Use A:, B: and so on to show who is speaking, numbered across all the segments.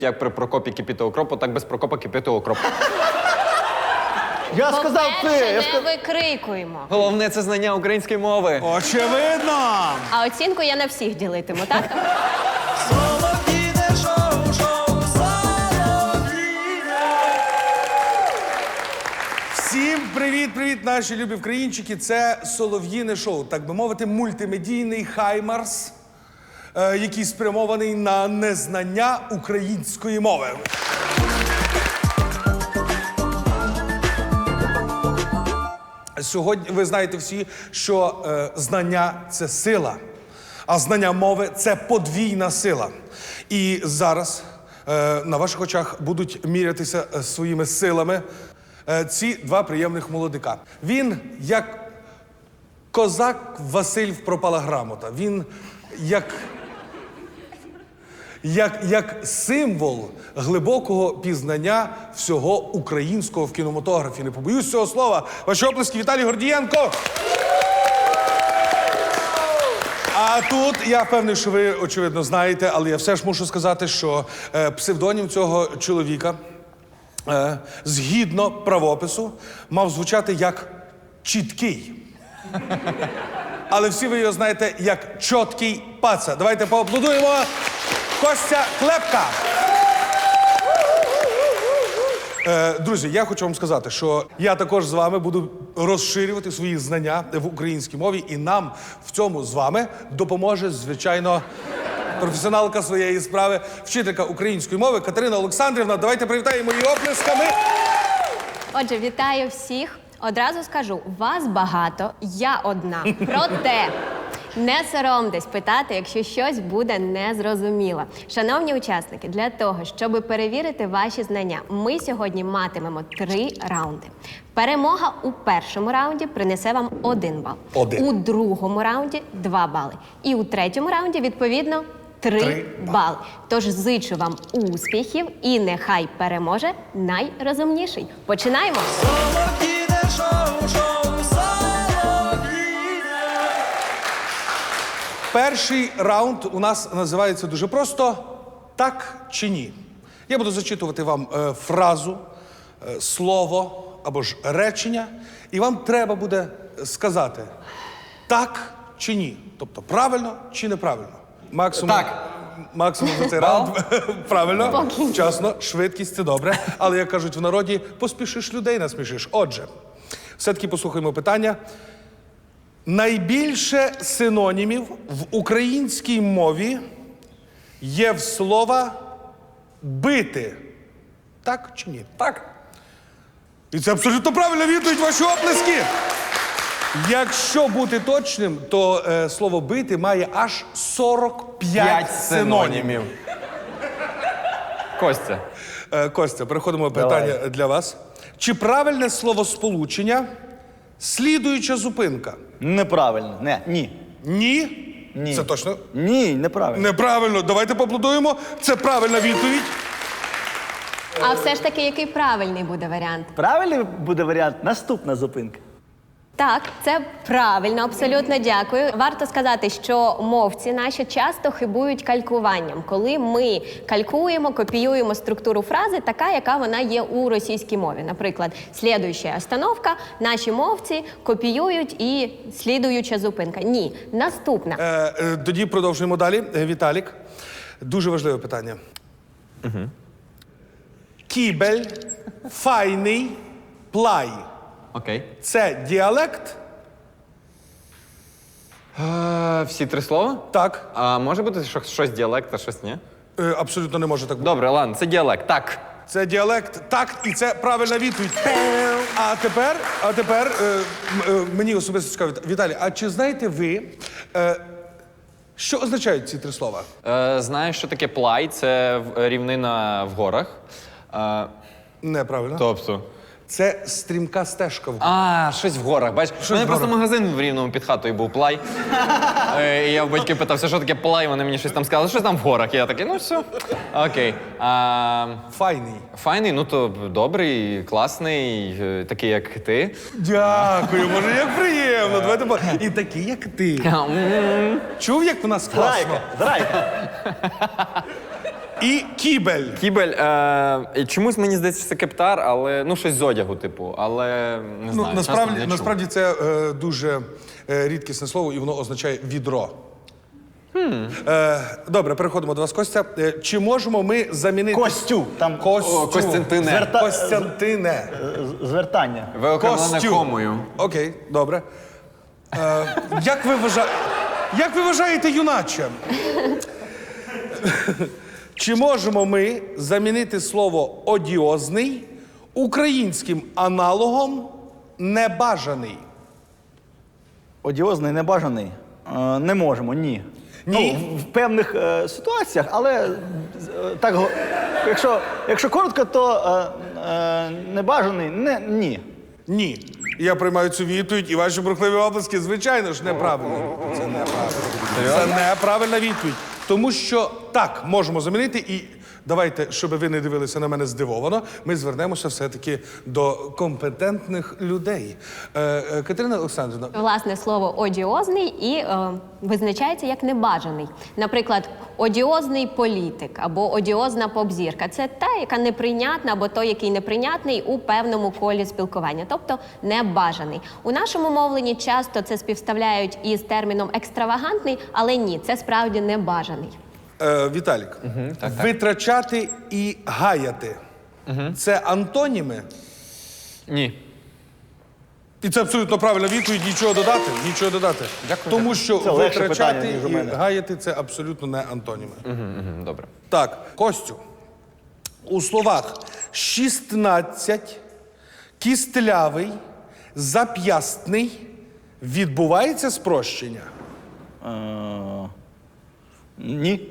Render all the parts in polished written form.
A: Як при Прокопі кипіти окропу, так без Прокопа кипіти окроп.
B: Я сказав ти!
C: По-перше, не викрикуємо.
A: Головне – це знання української мови.
B: Очевидно!
C: А оцінку я на всіх ділитиму, так?
B: Всім привіт, наші любі вкраїнчики. Це Солов'їне шоу, так би мовити, мультимедійний хаймарс, який спрямований на незнання української мови. Сьогодні ви знаєте всі, що знання – це сила, а знання мови – це подвійна сила. І зараз на ваших очах будуть мірятися своїми силами ці два приємних молодика. Він як козак Василь в пропала грамота. Він як символ глибокого пізнання всього українського в кінематографі. Не побоюсь цього слова. Ваші оплески, Віталій Гордієнко. А тут, я впевнений, що ви, очевидно, знаєте, але я все ж мушу сказати, що псевдонім цього чоловіка, згідно правопису, мав звучати як «чіткий». Але всі ви його знаєте як «чоткий паца». Давайте поаплодуємо Костя Клепка. Друзі, я хочу вам сказати, що я також з вами буду розширювати свої знання в українській мові, і нам в цьому з вами допоможе, звичайно, професіоналка своєї справи, вчителька української мови Катерина Олександрівна. Давайте привітаємо її оплесками.
C: Отже, вітаю всіх. Одразу скажу, вас багато, я одна. Проте не соромтесь питати, якщо щось буде незрозуміло. Шановні учасники, для того, щоб перевірити ваші знання, ми сьогодні матимемо 3 раунди. Перемога у першому раунді принесе вам 1 бал. У другому раунді 2 бали. І у третьому раунді, відповідно, 3 бали. Тож зичу вам успіхів і нехай переможе найрозумніший. Починаємо!
B: Перший раунд у нас називається дуже просто «Так чи ні?». Я буду зачитувати вам фразу, слово або ж речення, і вам треба буде сказати «так» чи «ні». Тобто правильно чи неправильно. Максимум,
A: Так.
B: Максимум за цей раунд. Правильно,
C: Спокійно.
B: вчасно, швидкість – це добре. Але, як кажуть в народі, поспішиш людей насмішиш. Отже, все-таки послухаємо питання. Найбільше синонімів в українській мові є в слова «бити». Так чи ні?
A: Так.
B: І це абсолютно правильна відповідь, ваші оплески. Якщо бути точним, то слово «бити» має аж 45 синонімів.
A: Костя.
B: Костя, переходимо до питання для вас. Чи правильне словосполучення «слідуюча зупинка»?
D: Неправильно. Ні.
B: Ні?
D: Ні.
B: Це точно?
D: Ні, неправильно.
B: Неправильно. Давайте поаплодуємо. Це правильна відповідь.
C: А все ж таки, який правильний буде варіант?
D: Правильний буде варіант наступна зупинка.
C: Так, це правильно, абсолютно дякую. Варто сказати, що мовці наші часто хибують калькуванням. Коли ми калькуємо, копіюємо структуру фрази, така, яка вона є у російській мові. Наприклад, слідуюча остановка, наші мовці копіюють і слідуюча зупинка. Ні, наступна.
B: Тоді продовжуємо далі. Віталік, дуже важливе питання. Кібель, файний, плай.
A: Окей.
B: Це діалект?
A: Всі 3 слова?
B: Так.
A: А може бути щось діалект, а щось ні?
B: Абсолютно не може так бути.
A: Добре, ладно, це діалект. Так.
B: Це діалект, так, і це правильна відповідь. А тепер мені особисто цікаво, Віталій, а чи знаєте ви, що означають ці 3 слова?
A: Знаєш, що таке плай? Це рівнина в горах.
B: Неправильно.
A: Тобто?
B: Це стрімка стежка.
A: Щось в горах. Бачиш, у мене
B: в
A: просто
B: горах.
A: магазин в Рівному під хатою був плай. І я в батьків питався, що таке плай, вони мені щось там сказали, що там в горах. І я такий, ну все. Окей.
B: Файний.
A: Файний, ну то добрий, класний, такий, як ти.
B: Дякую, може, як приємно. Давайте і такий, як ти. Чув, як в нас класно?
D: Здрайка.
B: І кібель.
A: Кібель. І чомусь мені здається, що це кептар, але ну щось з одягу, типу. Але не знаю. чесно, не чув.
B: Насправді це дуже рідкісне слово, і воно означає відро. Добре, переходимо до вас, Костя. Чи можемо ми замінити...
D: Костю. Там
B: Костю.
A: Костянтине.
B: Костянтине.
D: звертання.
A: Виокремлене
B: Костю.
A: комою.
B: Окей, добре. Як ви вважаєте, юначе? Чи можемо ми замінити слово одіозний українським аналогом небажаний?
D: Одіозний, небажаний? Не можемо, ні.
B: Ні?
D: Ну, в певних ситуаціях, але так, якщо коротко, то небажаний, ні.
B: Ні. Я приймаю цю відповідь, і ваші бурхливі оплески, звичайно ж, неправильно. Це неправильно. Це неправильна відповідь. Тому що так, можемо замінити, і давайте, щоб ви не дивилися на мене здивовано, ми звернемося все-таки до компетентних людей. Катерина Олександрівна,
C: Власне, слово одіозний і визначається як небажаний. Наприклад, одіозний політик або одіозна поп-зірка – це та, яка неприйнятна, або той, який неприйнятний у певному колі спілкування, тобто небажаний. У нашому мовленні часто це співставляють із терміном екстравагантний, але ні, це справді небажаний.
B: Віталік, витрачати і гаяти – це антоніми?
A: Ні.
B: І це абсолютно правильна відповідь, нічого додати, нічого додати.
A: Дякую.
B: Тому що
D: Це легше
B: витрачати
D: питання, ніж у
B: і
D: мене.
B: гаяти – це абсолютно не антоніми.
A: Добре.
B: Так, Костю, у словах 16, кістлявий, зап'ястний відбувається спрощення?
D: Ні.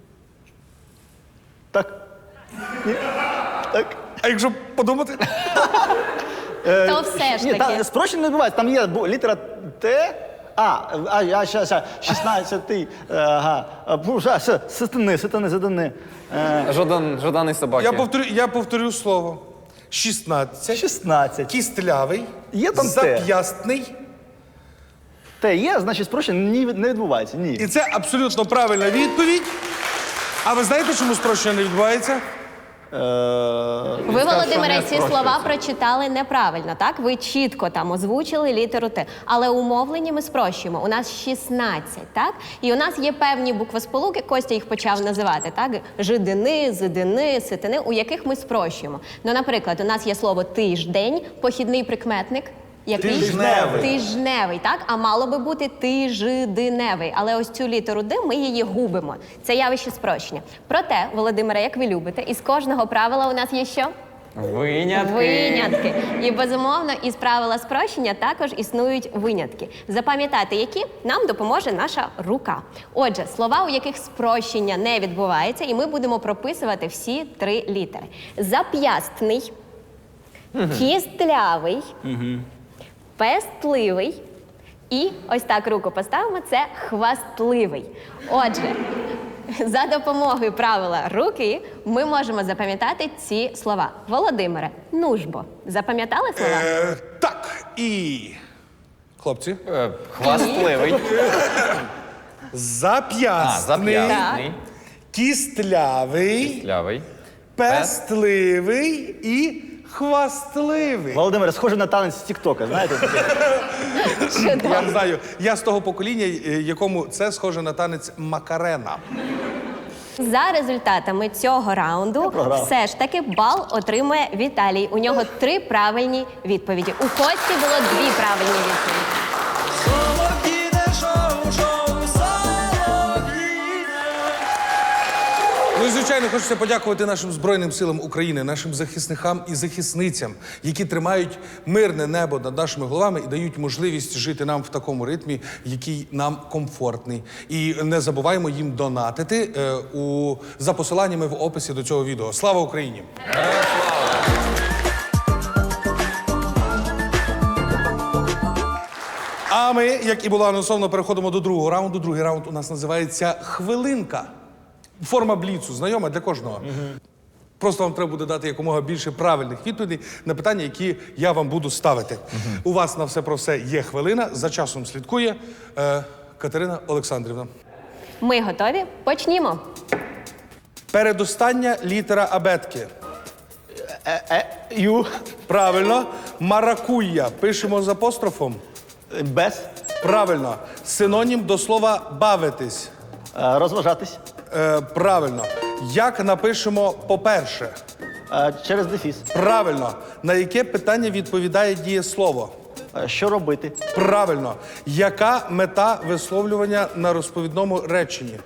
D: Так. Ні. Так.
B: А якщо подумати?
C: То все ж
D: Ні,
C: таки.
D: там спрощення не відбувається. Там є літера Т. Щас, 16-й, ага. Сатани.
A: Жаданий собаки.
B: Я повторю слово. 16,
D: 16.
B: кістлявий,
D: Є там Т?
B: зап'ястний.
D: Т є, значить спрощення не відбувається. Ні.
B: І це абсолютно правильна відповідь. А ви знаєте, чому спрощення не відбувається?
C: Ви, Володимире, ці слова прочитали неправильно, так? Ви чітко там озвучили літеру Т. Але у мовленні ми спрощуємо. У нас 16, так? І у нас є певні буквосполуки, Костя їх почав називати, так? Жидини, зидини, ситини, у яких ми спрощуємо. Ну, наприклад, у нас є слово тиждень, похідний прикметник. Який?
B: Тижневий.
C: Тижневий, так? А мало би бути тижденевий. Але ось цю літеру Д ми її губимо. Це явище спрощення. Проте, Володимире, як ви любите, із кожного правила у нас є що?
A: Винятки.
C: Винятки. І, безумовно, із правила спрощення також існують винятки. Запам'ятати, які нам допоможе наша рука. Отже, слова, у яких спрощення не відбувається, і ми будемо прописувати всі 3 літери. Зап'ястний, кістлявий, пестливий і, ось так руку поставимо, це хвастливий. Отже, за допомогою правила руки ми можемо запам'ятати ці слова. Володимире, нужбо. Запам'ятали слова?
B: Так, і... Хлопці.
A: Хвастливий.
B: Зап'ястний,
A: Зап'ясний.
B: кістлявий,
A: Лявий.
B: пестливий і хвастливий.
D: Володимир, схоже на танець з Тік-Тока, знаєте?
B: Я не знаю, я з того покоління, якому це схоже на танець Макарена.
C: За результатами цього раунду все ж таки бал отримує Віталій. У нього 3 правильні відповіді. У Кості було 2 правильні відповіді.
B: Ну і, звичайно, хочеться подякувати нашим Збройним силам України, нашим захисникам і захисницям, які тримають мирне небо над нашими головами і дають можливість жити нам в такому ритмі, який нам комфортний. І не забуваємо їм донатити за посиланнями в описі до цього відео. Слава Україні! А ми, як і було анонсовано, переходимо до другого раунду. Другий раунд у нас називається «Хвилинка». Форма бліцу знайома для кожного. Просто вам треба буде дати якомога більше правильних відповідей на питання, які я вам буду ставити. У вас на все про все є хвилина. За часом слідкує Катерина Олександрівна.
C: Ми готові? Почнімо.
B: Передостання літера абетки.
D: Ю.
B: Правильно. Маракуйя. Пишемо з апострофом.
D: Без.
B: Правильно. Синонім до слова бавитись.
D: Розважатись.
B: Правильно. Як напишемо по-перше?
D: Через дефіс.
B: Правильно. На яке питання відповідає дієслово?
D: Що робити?
B: Правильно. Яка мета висловлювання на розповідному реченні?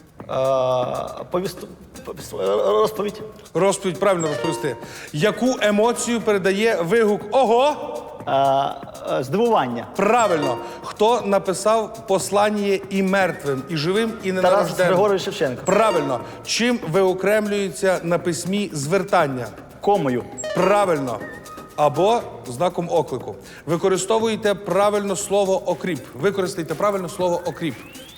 D: Розповідь.
B: Розповідь, правильно розповісти. Яку емоцію передає вигук «Ого»?
D: Здивування.
B: Правильно. Хто написав послання і мертвим, і живим, і
D: Тарас
B: ненарожденним?
D: Григорович Шевченко.
B: Правильно. Чим виокремлюється на письмі звертання?
D: Комою.
B: Правильно. Або знаком оклику. Використовуйте правильно слово «окріп». Використайте правильно слово «окріп».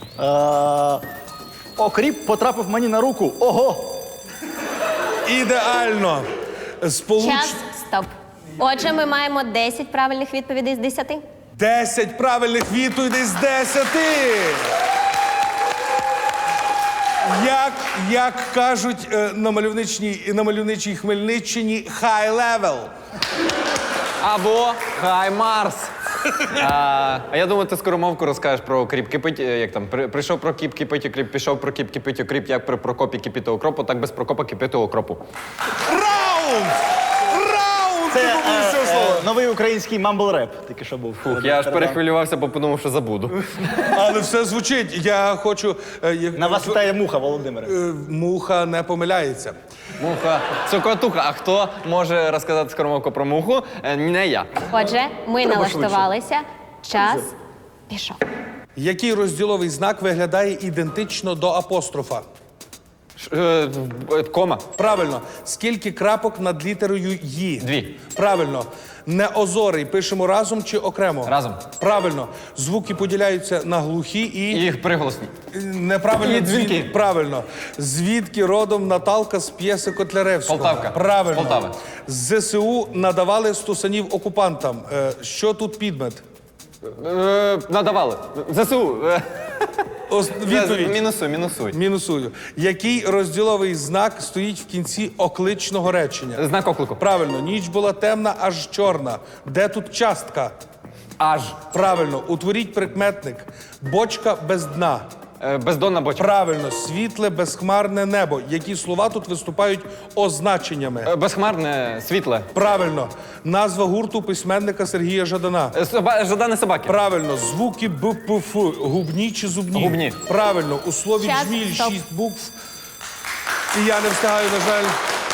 D: Окріп потрапив мені на руку. Ого!
B: Ідеально.
C: Час, стоп. Отже, ми маємо 10 правильних відповідей з 10.
B: 10 правильних відповідей з 10. Як кажуть на мальовничій Хмельниччині, high level.
A: Або Хай Марс. А я думаю, ти скоромовку розкажеш про окріп кипить, як там, прийшов про кіп кипить окріп, пішов про кіп кипить окріп, як при Прокопі кипіти окропу, так без Прокопа кипіти окропу.
B: Раунд! Раунд!
D: Це
B: Ти побудеш цього слова.
D: новий український мамбл-реп. Тільки що був.
A: Я аж перехвилювався, бо подумав, що забуду.
B: Але все звучить. Я хочу...
D: На вас вітає муха, Володимире.
B: Муха не помиляється.
A: Муха, цокотуха. А хто може розказати скоромовку про муху? Не я.
C: Отже, ми
D: Треба
C: налаштувалися. Час пішов.
B: Який розділовий знак виглядає ідентично до апострофа?
A: Кома.
B: Правильно. Скільки крапок над літерою «ї»?
A: 2.
B: Правильно. Неозорий пишемо разом чи окремо?
A: Разом.
B: Правильно. Звуки поділяються на глухі і...
A: Їх приголосні.
B: Неправильно.
A: І дзвінки.
B: Правильно. Звідки родом Наталка з п'єси Котляревського?
A: Полтавка.
B: Правильно.
A: Полтава.
B: З ЗСУ надавали стусанів окупантам. Що тут підмет?
A: Надавали. ЗСУ.
B: Відповідь.
A: Мінусуй.
B: Мінусую. Який розділовий знак стоїть в кінці окличного речення?
A: Знак оклику.
B: Правильно. Ніч була темна, аж чорна. Де тут частка?
A: Аж.
B: Правильно. Утворіть прикметник. Бочка без дна.
A: Бездонна бочка.
B: Правильно. Світле, безхмарне небо. Які слова тут виступають означеннями?
A: Безхмарне, світле.
B: Правильно. Назва гурту письменника Сергія Жадана.
A: Жадани собаки.
B: Правильно. Звуки Б, П, Ф. Губні чи зубні?
A: Губні.
B: Правильно. У слові
C: Час,
B: жміль
C: стоп.
B: 6 букв. І я не встигаю, на жаль,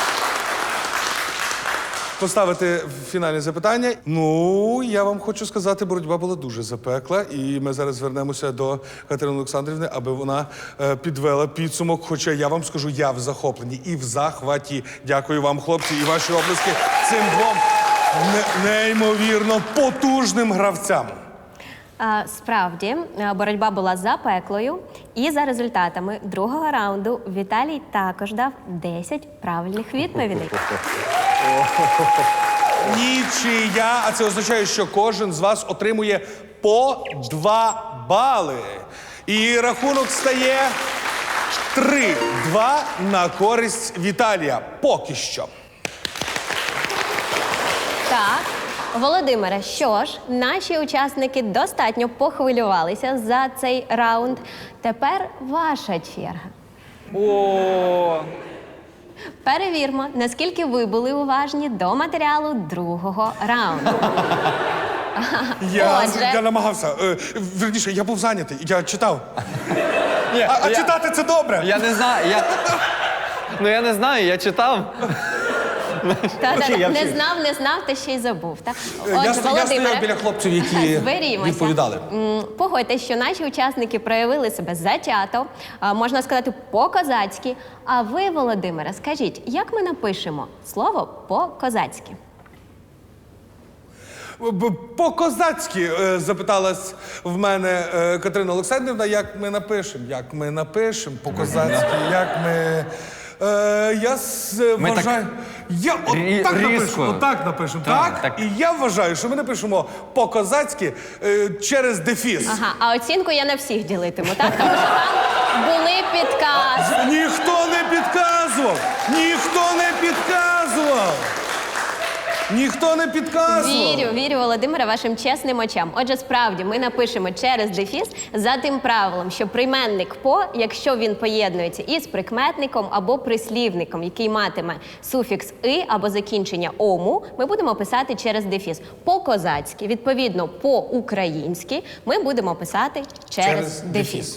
B: поставити фінальне запитання. Ну, я вам хочу сказати, боротьба була дуже запекла. І ми зараз звернемося до Катерини Олександрівни, аби вона підвела підсумок. Хоча я вам скажу, я в захопленні і в захваті. Дякую вам, хлопці, і ваші оплески цим двом неймовірно потужним гравцям.
C: Справді, боротьба була запеклою. І за результатами другого раунду Віталій також дав 10 правильних відповідей.
B: Нічия, а це означає, що кожен з вас отримує по 2 бали. І рахунок стає 3-2 на користь Віталія. Поки що.
C: Так, Володимире, що ж, наші учасники достатньо похвилювалися за цей раунд. Тепер ваша черга.
A: О,
C: Перевірмо, наскільки ви були уважні до матеріалу другого раунду.
B: Я
C: Отже.
B: намагався. Вірніше, я був зайнятий, я читав.
A: ні,
B: А читати це добре.
A: я не знаю. Я не знаю, я читав.
D: Я
C: Не
D: вчив.
C: знав, та ще й забув. Так?
B: Я стояв біля хлопців, які
C: зберімося.
B: відповідали.
C: Погодьтесь, що наші учасники проявили себе затято, можна сказати, по-козацьки. А ви, Володимире, скажіть, як ми напишемо слово по-козацьки?
B: По-козацьки запиталась в мене Катерина Олександрівна, як ми напишемо. Як ми напишемо по-козацьки, як ми...
A: Ми так
B: вважаю... Я отак
A: різко.
B: напишу, отак напишемо.
A: Так,
B: Так?
A: так.
B: І я вважаю, що ми напишемо по-козацьки через дефіс.
C: Ага, а оцінку я на всіх ділитиму, так? Тому що там були підказки.
B: Ніхто не підказує! підказував! Ніхто не підказував! Ніхто не підказував!
C: Вірю, Володимире, вашим чесним очам. Отже, справді, ми напишемо через дефіс за тим правилом, що прийменник «по», якщо він поєднується із прикметником або прислівником, який матиме суфікс «и» або закінчення «ому», ми будемо писати через дефіс. По-козацьки, відповідно, по-українськи ми будемо писати через дефіс.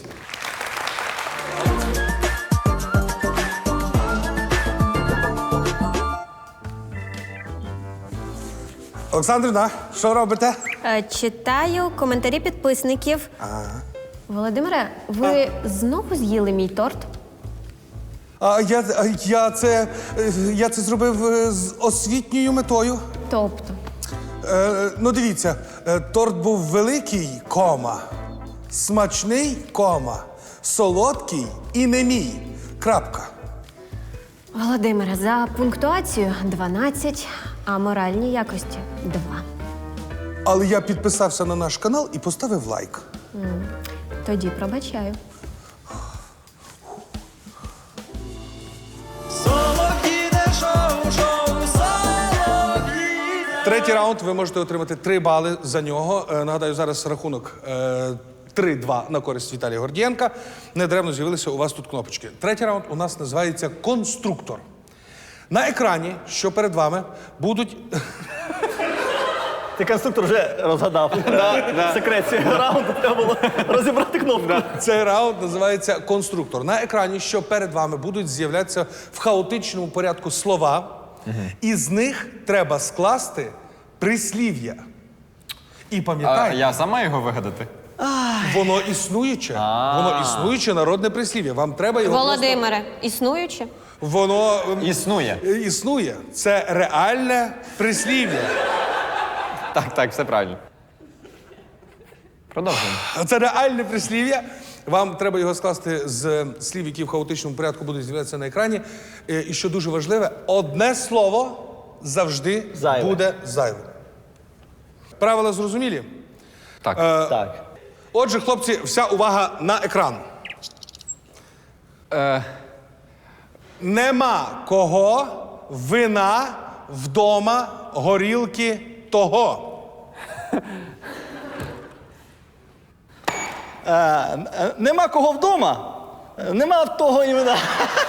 B: Олександрівна, що робите?
C: Читаю коментарі підписників. Володимире, ви знову з'їли мій торт?
B: Я це зробив з освітньою метою.
C: Тобто?
B: Ну, дивіться, торт був великий, кома, смачний, кома, солодкий і не мій. Крапка.
C: Володимире, за пунктуацію 12, а моральні якості 2.
B: Але я підписався на наш канал і поставив лайк.
C: Тоді пробачаю.
B: Третій раунд ви можете отримати 3 бали за нього. Нагадаю, зараз рахунок 3-2 на користь Віталія Гордієнка. Недаремно з'явилися у вас тут кнопочки. Третій раунд у нас називається «Конструктор». На екрані, що перед вами, будуть...
D: Ти конструктор вже розгадав. Секрет цього раунду треба було розібрати кнопку.
B: Цей раунд називається «Конструктор». На екрані, що перед вами, будуть з'являтися в хаотичному порядку слова, і з них треба скласти прислів'я. І пам'ятайте,
A: Я сам маю його вигадати?
B: воно існуюче. Воно існуюче народне прислів'я. Вам треба його
C: Володимире, існуюче?
B: Воно
A: Існує.
B: існує. Це реальне прислів'я.
A: Так, все правильно. Продовжуємо.
B: Це реальне прислів'я. Вам треба його скласти з слів, які в хаотичному порядку будуть з'являтися на екрані. І що дуже важливе, одне слово завжди
D: Зайве.
B: буде зайвим. Правила зрозумілі?
A: Так.
D: Так.
B: Отже, хлопці, вся увага на екран. Нема кого вина вдома горілки того.
D: Нема кого вдома, нема в того і вина.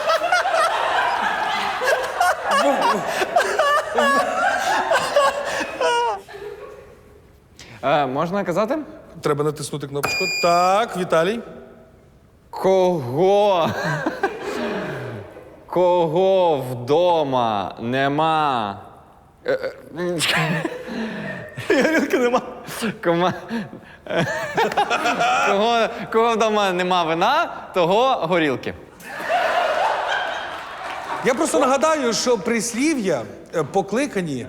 A: Можна казати?
B: Треба натиснути кнопочку. Так, Віталій.
A: Кого? Кого вдома нема?
D: Горілки нема.
A: Кого вдома нема вина, того горілки.
B: Я просто нагадаю, що прислів'я покликані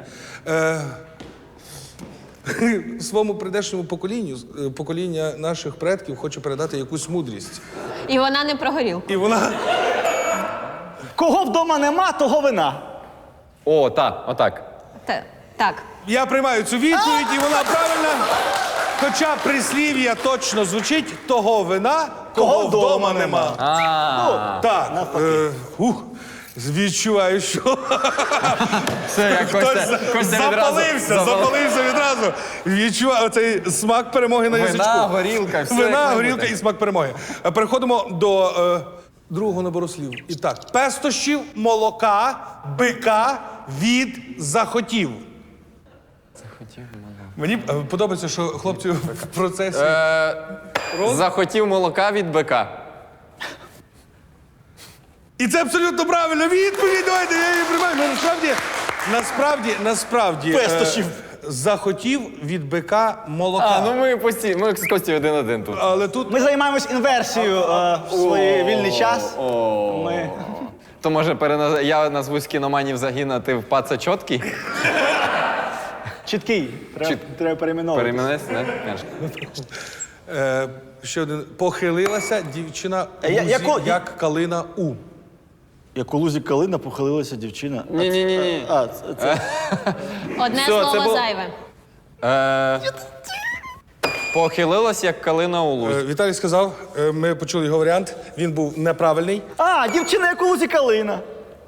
B: своєму прийдешньому поколінню, покоління наших предків хоче передати якусь мудрість.
C: І вона не про горілку.
B: І вона...
D: Кого вдома нема, того вина.
A: О, так, отак.
C: Так.
B: Я приймаю цю відповідь, і вона правильна. Хоча прислів'я точно звучить «того вина, кого вдома нема». Так. Відчуваю, що
A: Все, як Костя
B: запалився відразу. Відчуваю оцей смак перемоги на язичку.
A: Вина, горілка, все.
B: Вина,
A: як
B: горілка
A: має
B: і смак перемоги. Переходимо до другого набору слів. І так, пестощів, молока, бика від захотів. Мені подобається, що хлопці в процесі.
A: Захотів молока від бика.
B: І це абсолютно правильна відповідь. Давайте, я її приймаю. Ну, насправді,
D: Пестощів.
B: захотів від бика молока.
A: Ми з Костю 1-1 тут.
B: Але тут
D: Ми займаємось інверсією в свій вільний час. Ми...
A: То може я назвусь кіноманів загін, а ти в паца чоткий?
D: Чіткий. Треба перейменовувати.
A: Перейменись, не?
B: ще один. Похилилася дівчина
D: Яку-
B: Лузі, як калина у.
D: Як у лузі калина похилилася дівчина.
A: Ні.
C: Одне
A: Все,
C: слово
A: це було-
C: зайве.
A: Похилилась, як калина у лузі.
B: Віталій сказав, ми почули його варіант, він був неправильний.
D: Дівчина, як у лузі калина.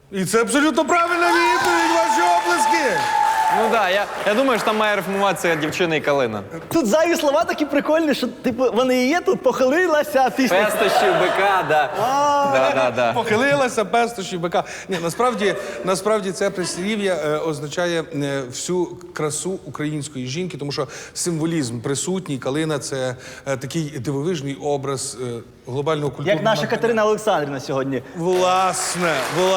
B: І це абсолютно правильна відповідь, ваші оплески.
A: Ну так, я думаю, що там має рифмуватися дівчина і калина.
D: Тут зайві слова такі прикольні, що типу вони і є тут, похилилася після.
A: Пестощі, бика, да. Да.
B: Похилилася, пестощі, бика. Ні, насправді це прислів'я означає всю красу української жінки, тому що символізм присутній. Калина – це такий дивовижний образ глобального культурного.
D: Як наша Катерина Олександрівна сьогодні.
B: Власне.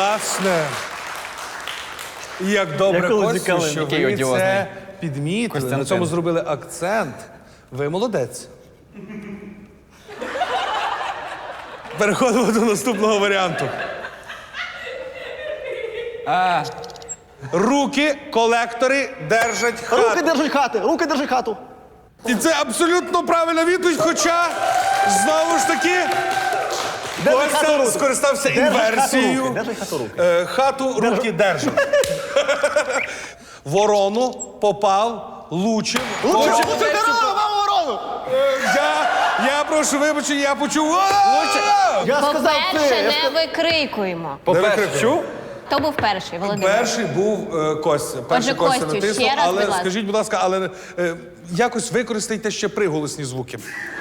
B: І як добре,
D: Як Олексій
B: Костю,
D: Калин.
B: що
A: Який
B: ви
A: одіозний.
B: це підмітили, на
A: Костянтин.
B: цьому зробили акцент. Ви молодець. Переходимо до наступного варіанту. Руки колектори держать хату.
D: Руки держать хати, руки держать хату.
B: І це абсолютно правильна відповідь, хоча, знову ж таки,
D: Держать хату
B: Костя
D: руки.
B: скористався
D: Держать хату
B: інверсією.
D: руки, держать хату руки.
B: Хату руки держать. Ворону попав, лучив.
D: Лучше
B: Хоче-
D: корова, мама ворону!
B: Я прошу вибачення, я почув.
D: Я сказав
C: По-перше,
D: це.
C: не викрикуємо.
A: По-перше, чув?
C: Хто був перший, Володимир?
B: Перший був Костя. Перший
C: Отже,
B: Костя
C: Костю,
B: натиснув,
C: ще раз,
B: але
C: будь ласка.
B: скажіть, будь ласка, але якось використайте ще приголосні звуки.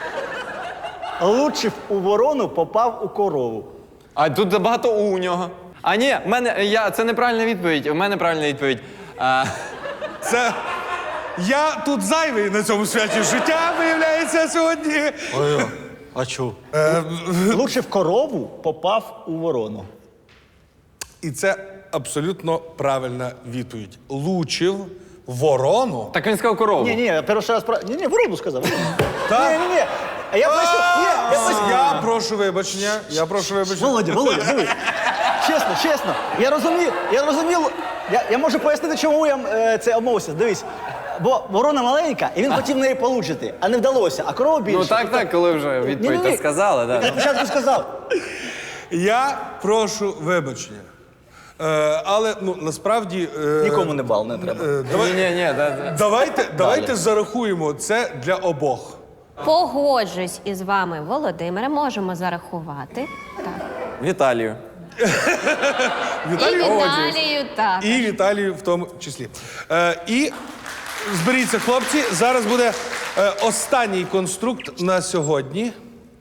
D: Лучив у ворону, попав у корову.
A: А тут забагато у нього. А ні, це неправильна відповідь. У мене правильна відповідь.
B: Це я тут зайвий на цьому святі життя, виявляється, сьогодні.
D: А чу? Лучив корову, попав у ворону.
B: І це абсолютно правильна відповідь. Лучив ворону.
A: Так він сказав корову.
D: Ні, перший раз про. Ні, ворону сказав.
B: Так?
D: Ні. А я поясню.
B: Я прошу вибачення.
D: Володя, диви. Чесно. Я розумів. Я можу пояснити, чому я це обмовився. Дивись. Бо ворона маленька, і він хотів неї получити, а не вдалося. А корова більше.
A: Ну так, коли вже відповідь так сказали,
D: Я
A: так.
D: спочатку сказав.
B: Я прошу вибачення. Але насправді.
D: Нікому не бал, не треба.
A: Ні,
B: Давайте зарахуємо це для обох.
C: Погоджуюсь із вами, Володимире, можемо зарахувати. Так.
A: Віталію.
C: І Віталію, так.
B: І Віталію в тому числі. І зберіться, хлопці, зараз буде останній конструкт на сьогодні.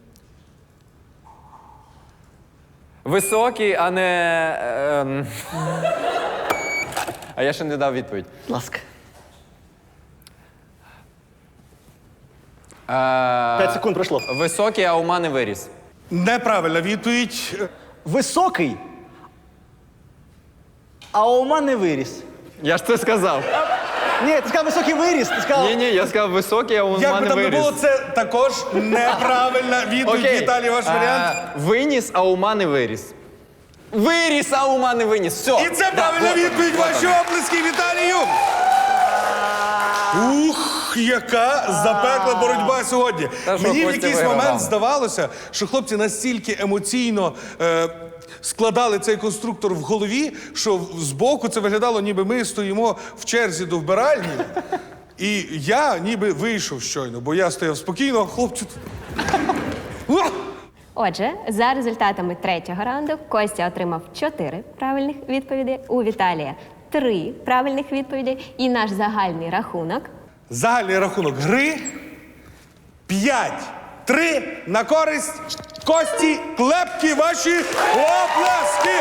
A: Високий, а не. А я ще не дав відповідь.
D: Будь ласка. 5 секунд пройшло.
A: Високий, а ума не виріс.
B: Неправильна відповідь.
D: Високий, а ума не виріс.
A: Я ж це сказав.
D: Ні, ти сказав високий виріс. Ти сказав.
A: Ні, я сказав високий, а ума
B: Як би
A: не
B: там не
A: виріс.
B: було, це також неправильна відповідь.
A: Окей.
B: Віталій, ваш варіант.
A: Виніс, а ума не виріс. Виріс, а ума не виніс. Все.
B: І це правильна відповідь. Ваші оплески Віталію. Ух, яка запекла боротьба сьогодні.
A: Та що,
B: Мені в
A: Костя
B: якийсь
A: вигравав.
B: момент здавалося, що хлопці настільки емоційно складали цей конструктор в голові, що збоку це виглядало, ніби ми стоїмо в черзі до вбиральні. І я ніби вийшов щойно, бо я стояв спокійно, а хлопці тут.
C: Отже, за результатами третього раунду Костя отримав 4 правильних відповіді, у Віталія 3 правильних відповіді, і наш загальний рахунок
B: Загальний рахунок гри 5-3 на користь Кості Клепки. Ваші оплески!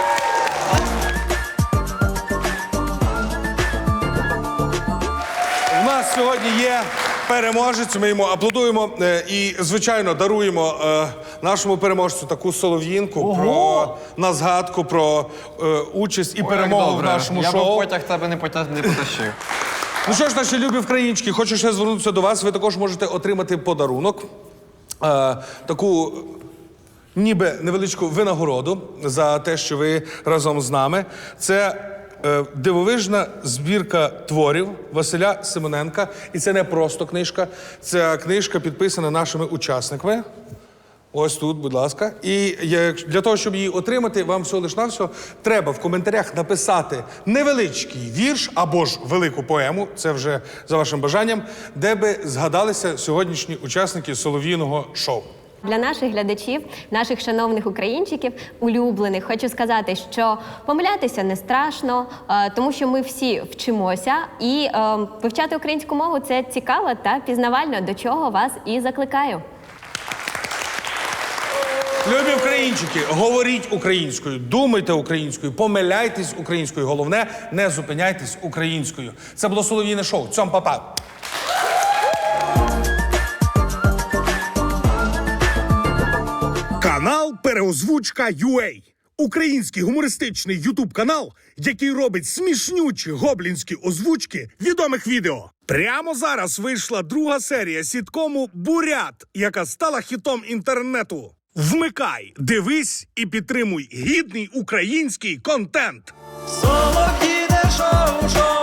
B: У нас сьогодні є переможець, ми йому аплодуємо і, звичайно, даруємо нашому переможцю таку солов'їнку на згадку про участь і перемогу в нашому
A: Я
B: шоу.
A: б потяг тебе не потащив.
B: Ну що ж, наші любі українчики, хочу ще звернутися до вас. Ви також можете отримати подарунок. Таку ніби невеличку винагороду за те, що ви разом з нами. Це дивовижна збірка творів Василя Симоненка. І це не просто книжка. Ця книжка підписана нашими учасниками. Ось тут, будь ласка. І для того, щоб її отримати, вам всього лиш навсього треба в коментарях написати невеличкий вірш або ж велику поему, це вже за вашим бажанням, де би згадалися сьогоднішні учасники солов'їного шоу.
C: Для наших глядачів, наших шановних українчиків, улюблених, хочу сказати, що помилятися не страшно, тому що ми всі вчимося, і вивчати українську мову – це цікаво та пізнавально, до чого вас і закликаю.
B: Любі українчики, говоріть українською, думайте українською, помиляйтесь українською. Головне, не зупиняйтесь українською. Це було Солов'їне шоу. Цьом, па-па.
E: Канал Переозвучка.UA. Український гумористичний ютуб-канал, який робить смішнючі гоблінські озвучки відомих відео. Прямо зараз вийшла друга серія сіткому «Бурят», яка стала хітом інтернету. Вмикай, дивись і підтримуй гідний український контент.
F: Солов'їне шоу,